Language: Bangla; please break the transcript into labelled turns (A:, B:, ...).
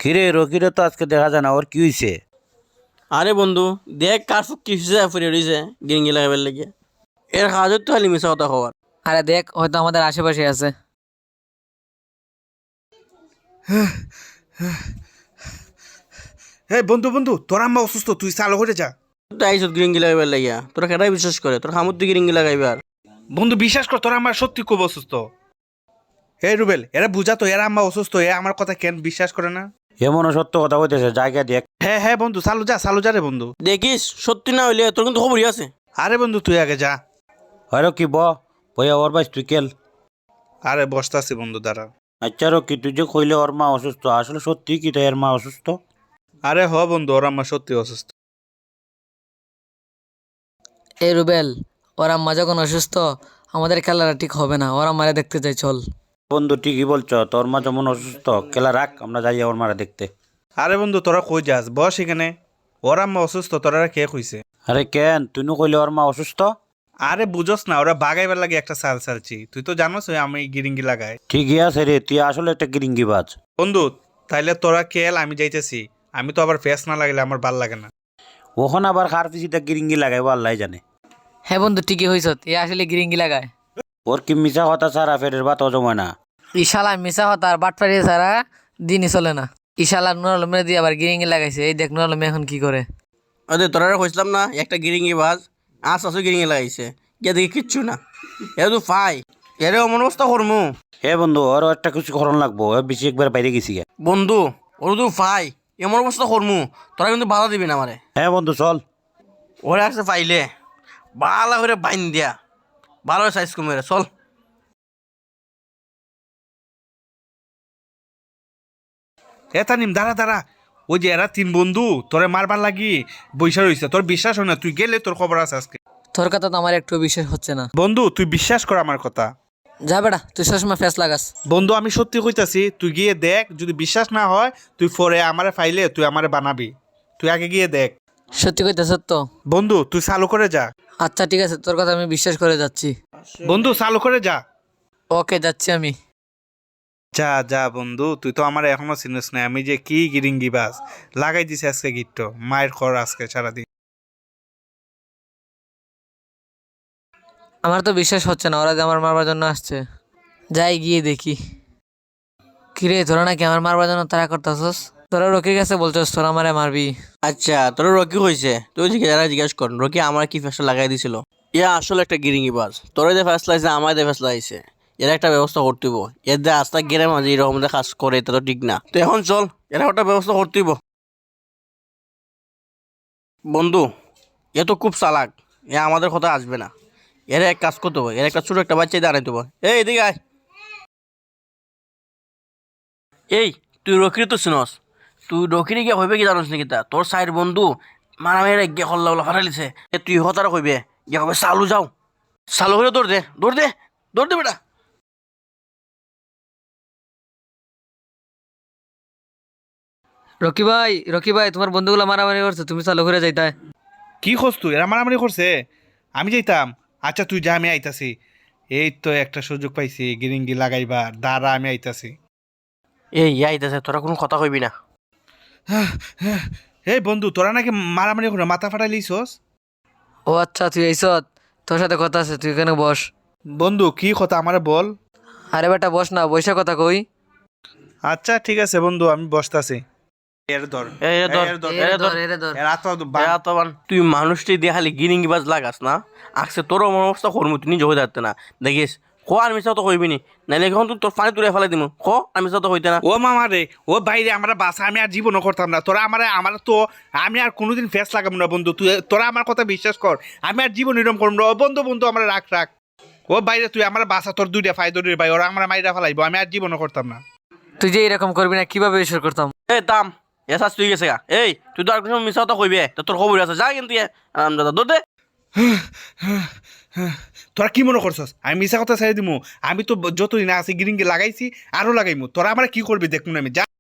A: কিরে রকিরে তো আজকে দেখা যায় না, ওর কি হয়েছে?
B: আরে বন্ধু, দেখ কার ফুক কি ফুরিয়ে রয়েছে গিরিঙ্গি লাগাবার লেগে। এর কাজও তো খালি মিশা কথা হওয়ার।
C: আরে দেখ, হয়তো আমাদের আশেপাশে আছে।
D: হে বন্ধু বন্ধু, তোর আম্মা অসুস্থ, তুই চালু করে যা।
B: তুই আইসত গিরিঙ্গি লাগাবার লাগিয়া, তোরা কেটাই বিশ্বাস করে তোর হামুদ তুই গিরিঙ্গি লাগাইবার।
D: বন্ধু বিশ্বাস কর, তোর আম্মা সত্যি খুব অসুস্থ। হে রুবেল, এরা বুঝা তো, এরা আম্মা অসুস্থ, এ আমার কথা কেন বিশ্বাস করে না?
A: এমনও সত্য কথা বলতেছে, জায়গা দেখ।
D: হ্যাঁ হ্যাঁ বন্ধু, চালু যা রে বন্ধু।
B: দেখিস সত্যি না হইলে তোর কিন্তু খবরই আছে।
D: আরে বন্ধু তুই আগে যা।
A: হয় কি বইয়া ওর বাইস তুই কেল।
D: আরে বসতাছি বন্ধু, দাঁড়া।
A: আচ্ছা রকি, তুই যে কইলে ওর মা অসুস্থ, আসলে সত্যি কি তাই এর মা অসুস্থ?
D: আরে হ বন্ধু, ওর আম্মা সত্যি অসুস্থ।
C: এই রুবেল, ওর আম্মা যখন অসুস্থ, আমাদের খেলাটা ঠিক হবে না। ওর আম্মারে দেখতে চাই, চল।
A: বন্ধু ঠিকই বলছো, তোর মা যেমন অসুস্থ, খেলা রাখ, আমরা যাই ওর মারা দেখতে।
D: আরে বন্ধু তোরা কই যাস, বস এখানে। ওর আম্মা অসুস্থ, তোরা কে কইছে?
A: আরে কেন তুই কইলে ওর মা অসুস্থ?
D: আরে বুঝোস না, ওরা বাগাইবার লাগে একটা চালছি, তুই তো জানোস আমি গিরিঙ্গি লাগাই।
A: ঠিকই আছে রে, তুই আসলে একটা গিরিঙ্গি বাজ।
D: বন্ধু তাইলে তোরা কেল, আমি যাইতেছি। আমি তো আবার ফেস না লাগলে আমার ভাল লাগে না।
A: ওখানে আবার খার পিছিটা গিরিঙ্গি লাগাইবো আল্লাহ জানে।
C: হ্যাঁ বন্ধু, ঠিকই হয়েছ, এ আসলে গিরিঙ্গি লাগায়।
A: ওর কি মিশা কথা ছাড়া ফেরের ভাত জমায় না।
C: ইশালা মিশা হতা আর বাটপাড়িয়ে ছাড়া দিনই চলে না। ইশালা নুর আলমের দিয়ে আবার গিরিঙ্গি লাগাইছে। এই দেখ নুর আলম এখন কি করে।
B: আরে তোরা কইছিলাম না একটা গিরিঙ্গি বাজ, আসো গিরিঙ্গি লাগাইছে, গিয়ে দেখি কিচ্ছু না। এ তো ফাই, এর অমন অবস্থা করমু।
A: হে বন্ধু, ওরও একটা কিছু করণ লাগবো, ও বেশি একবার বাইরে গেছি গে।
B: বন্ধু ওর তো ফাই, এমন অবস্থা করমু, তোরা কিন্তু বাধা দিবি না আমারে।
A: হ্যাঁ বন্ধু চল।
B: ওরে আসছে পাইলে ভালো করে বাইন দিয়া, ভালো সাইজ কমে চল।
D: এ তানিম, দাঁড়া দাঁড়া। ওই যে এরা তিন বন্ধু তোরে মারবার লাগি বৈশা রইছে, তোর বিশ্বাস হয় না? তুই গেলে তোর খবর আছে আজকে।
C: তোর কথা তো আমার একটু বিশ্বাস হচ্ছে না।
D: বন্ধু তুই বিশ্বাস কর আমার কথা।
C: যা বেটা, তুই সবসময় ফেস লাগাস।
D: বন্ধু আমি সত্যি কইতাছি, তুই গিয়ে দেখ, যদি বিশ্বাস না হয় তুই পরে আমারে ফাইলে তুই আমারে বানাবি। তুই আগে গিয়ে দেখ।
C: সত্যি কইতেছ তো?
D: বন্ধু তুই চালু করে যা।
C: আচ্ছা ঠিক আছে, তোর কথা আমি বিশ্বাস করে যাচ্ছি।
D: বন্ধু চালু করে যা।
C: ওকে, যাচ্ছি আমি।
D: যা যা বন্ধু, তুই তো আমার এখনো চিনিস না আমি যে কি গিরিঙ্গি বাস লাগাই দিছি আজকে গিট্ট মায়ের খর আজকে সারাদিন।
C: আমার তো বিশ্বাস হচ্ছে না, ওরা যে আমার মারবার জন্য আসছে। যাই গিয়ে দেখি। কিরে, তোরা নাকি আমার মারবার জন্য তারা করতেছস? তোরা রকির কাছে বলছস তোরা আমারে মারবি?
B: আচ্ছা তোর রকি হয়েছে, তুই যারা জিজ্ঞেস কর রকি আমার কি ফেসটা লাগাই দিছিল। ইয়া আসলে একটা গিরিঙ্গি বাজ, তোর যে ফেসলা আছে আমার যে ফেসলা আছে, এর একটা ব্যবস্থা করতে হইব। এর যে আস্তা গেলে মাঝে এরকম কাজ করে এটা তো ঠিক না। তো এখন চল, এর একটা ব্যবস্থা করতে হইব। বন্ধু এ তো খুব চালাক, এ আমাদের কথা আসবে না। এর এক কাজ করতে হবে, এর একটা ছোট একটা বাচ্চাই দাঁড়াইতে হবে। এই এদিকে আয়। এই তুই রকির তো শুনস, তুই রকিরে গিয়ে হইবে কি জানোস নাকি? তা তোর সাইড বন্ধু মারামারি গিয়ে হল্লা হল্লা ফাটাইছে, তুই হতারা কইবে গিয়ে হবে চালু যাও। চালু হলে দৌড় দে দৌড় দে দৌড় দে বেটা।
C: রকি ভাই, রকি ভাই, তোমার বন্ধুগুলো মারামারি করছে, তুমি চালু করে যাইতাই।
D: কি খোঁজ তুই? এরা মারামারি করছে, আমি যাইতাম? আচ্ছা তুই যা, আমি আইতাছি। এই তো একটা সুযোগ পাইছি গিরিঙ্গি লাগাইবার, দাঁড়া আমি আইতাছি।
B: এই আইতাছে, তোরা কোনো কথা কইবি না।
D: এই বন্ধু তোরা নাকি মারামারি করে মাথা ফাটাই লিছস?
C: ও আচ্ছা, তুই এইসত, তোর সাথে কথা আছে, তুই এখানে বস।
D: বন্ধু কি কথা আমারে বল।
C: আরে বেটা বস না, বৈশা কথা কই।
D: আচ্ছা ঠিক আছে বন্ধু, আমি বসতাছি। এর ধর,
B: এই এ ধর,
D: এর ধর,
B: এ ধর।
C: এরে ধর।
D: এর হাত
B: তুই মানুষটি দিয়ে খালি গিরিঙ্গি বাজ লাগাস না, আসছে তোর অমন অবস্থা করবো, তুই নিজে হয়ে যাচ্ছে না। দেখিস কো আর মিশা তো কইবি নি, নাইলে এখন তুই তোর পানি তুলে ফেলাই দিমু। কো আর মিশা তো হইতে না।
D: ও মামা রে, ও বাইরে আমরা বাসা, আমি আর জীবনও করতাম না। তোরা আমার তো আমি আর কোনোদিন ফেস লাগাবো না বন্ধু। তুই তোরা আমার কথা বিশ্বাস কর, আমি আর জীবন এরকম করবো না। ও বন্ধু বন্ধু আমরা রাখ রাখ। ও বাইরে তুই আমার বাসা, তোর দুইটা ফায়দরির ভাই, ওরা আমরা মাইরা ফেলাইবো, আমি আর জীবনও করতাম না।
C: তুই যে এরকম করবি না, কিভাবে বিশ্বাস করতাম?
B: এই দাম এসাস তুই গেছে গা। এই তুই তো আর কোনো মিশা তো কইবে, তো তোর খবর আছে, যা কিন্তু দাদা দৌড় দে।
D: তোরা কি মনে করছস আমি মিশা কথা ছেড়ে দিমু? আমি তো যতদিন আছি গিরিঙ্গি লাগাইছি, আরো লাগাইমু। তোরা আমার কি করবি দেখুন আমি যা।